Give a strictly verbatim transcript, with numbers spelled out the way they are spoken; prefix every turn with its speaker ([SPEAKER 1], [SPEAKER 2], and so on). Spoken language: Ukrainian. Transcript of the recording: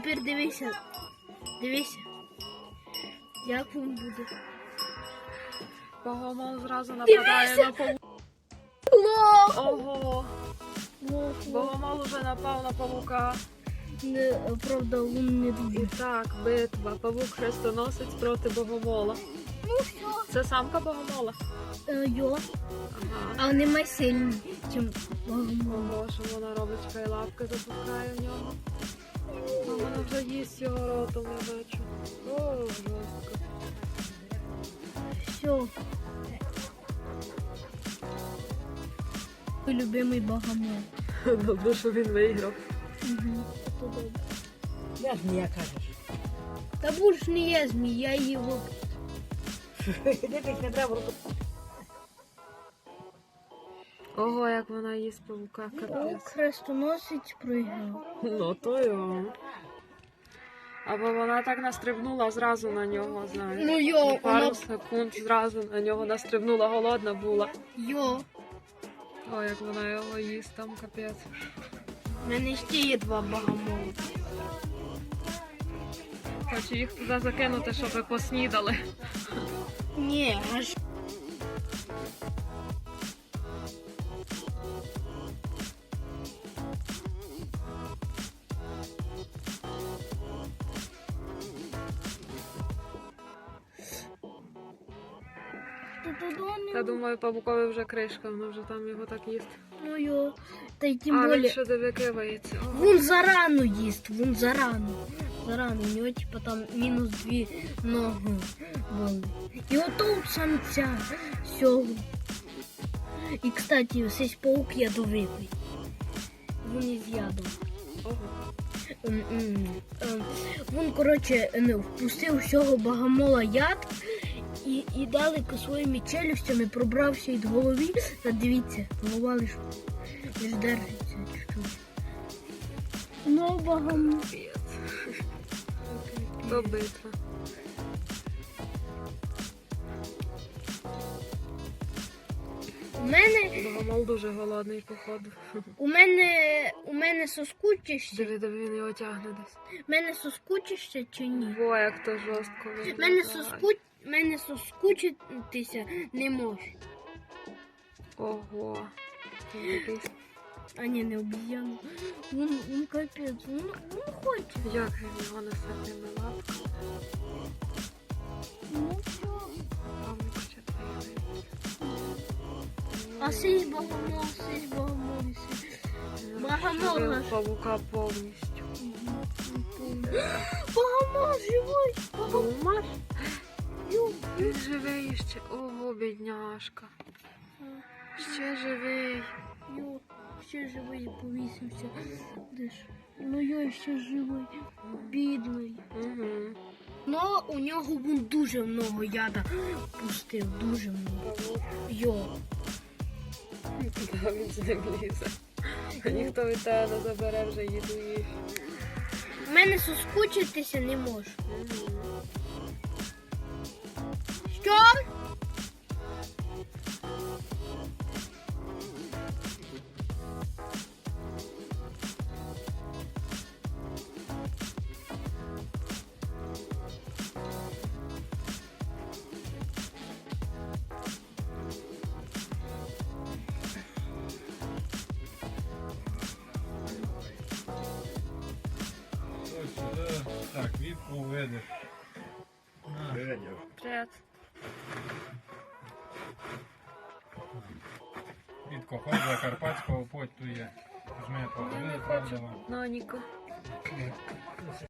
[SPEAKER 1] тепер дивися. Дивися. Як він буде.
[SPEAKER 2] Богомол зразу нападає на павука. Ого. Богомол уже напав на павука.
[SPEAKER 1] Не, правда, він не дуже.
[SPEAKER 2] І так, битва. Павук-хрестоносець проти богомола.
[SPEAKER 1] Ну все.
[SPEAKER 2] Це самка богомола?
[SPEAKER 1] Е, йо.
[SPEAKER 2] Ага.
[SPEAKER 1] А вони майже сильні, ніж богомол.
[SPEAKER 2] Ого, що вона робить, чекай, лапки запускає в нього. А вона вже їсть його ротом, я бачу. О, жорстко.
[SPEAKER 1] Все. Мій любимий богомол.
[SPEAKER 2] Добре, що він виграв.
[SPEAKER 1] Угу. Це добре.
[SPEAKER 3] Я ж не кажеш.
[SPEAKER 1] Та будь не є змій, я її вип...
[SPEAKER 3] Дивись, не треба руку.
[SPEAKER 2] Ого, як вона їсть павука,
[SPEAKER 1] Павук
[SPEAKER 2] капець.
[SPEAKER 1] хрестоносець пригав.
[SPEAKER 2] Ну, то його. Або вона так настрибнула зразу на нього, знаєш.
[SPEAKER 1] Ну йо,
[SPEAKER 2] І пару
[SPEAKER 1] вона...
[SPEAKER 2] секунд зразу на нього настрибнула, голодна була.
[SPEAKER 1] Йо.
[SPEAKER 2] О, як вона його їсть, там капець.
[SPEAKER 1] У мене ще є два богомоли.
[SPEAKER 2] Хочу їх туди закинути, щоб ви поснідали.
[SPEAKER 1] Ні, аж...
[SPEAKER 2] Я думаю, павукові вже кришка, вона вже там його так їсть.
[SPEAKER 1] Ну йо. Та й тим
[SPEAKER 2] А, він
[SPEAKER 1] более...
[SPEAKER 2] ще дивикивається.
[SPEAKER 1] Він зарано їсть, він зарано. Зарано, у нього типа там мінус дві ноги були. І ото у самця всього. І, кстати, цей паук ядовитий. Він із ядом.
[SPEAKER 2] Ого.
[SPEAKER 1] Ем, ем, ем, Він, коротше, не, впустив всього богомола яд і, і далеко своїми челюстями пробрався від голови. Та дивіться, голова лиш, лиш держиться чуть-чуть. Ну, богомол.
[SPEAKER 2] То битва.
[SPEAKER 1] У мене,
[SPEAKER 2] Богомол дуже голодний, походу.
[SPEAKER 1] у мене, у мене соскучишся,
[SPEAKER 2] Диви, диви, він його тягне десь.
[SPEAKER 1] у мене соскучишся чи ні?
[SPEAKER 2] Во, як то жорстко
[SPEAKER 1] У
[SPEAKER 2] виглядає.
[SPEAKER 1] мене, соску... мене соскучитися не може.
[SPEAKER 2] Ого. Він такий.
[SPEAKER 1] А ні, не обіз'яна. Він, він капець, він, він хоче.
[SPEAKER 2] Як він його несе тими лапками?
[SPEAKER 1] Ну все.
[SPEAKER 2] Павук ще двигається.
[SPEAKER 1] А сись богомол, сись богомол, сись. Богомол
[SPEAKER 2] Вбив
[SPEAKER 1] наш.
[SPEAKER 2] павука повністю.
[SPEAKER 1] Богомол живий. Богомол.
[SPEAKER 2] Думаєш?
[SPEAKER 1] Ю.
[SPEAKER 2] Він живий ще. Ого, бідняшка. Ще живий.
[SPEAKER 1] Йо, ще живий повісився. Де ж? Ну я ще живий. Бідний.
[SPEAKER 2] Угу.
[SPEAKER 1] Ну, у нього він дуже много яда пустив, дуже много.
[SPEAKER 2] Павук.
[SPEAKER 1] Йо.
[SPEAKER 2] Да, він з ним лізе. А ніхто від тебе не забере вже їду їх.
[SPEAKER 1] У мене соскучитися не може.
[SPEAKER 2] Угу.
[SPEAKER 1] Що?
[SPEAKER 4] Так, відку видиш.
[SPEAKER 2] Привіт.
[SPEAKER 4] Відко ходила Карпатського потує. Жми по
[SPEAKER 2] Я не
[SPEAKER 4] правда
[SPEAKER 2] хочу.
[SPEAKER 4] вам.
[SPEAKER 2] Наніку.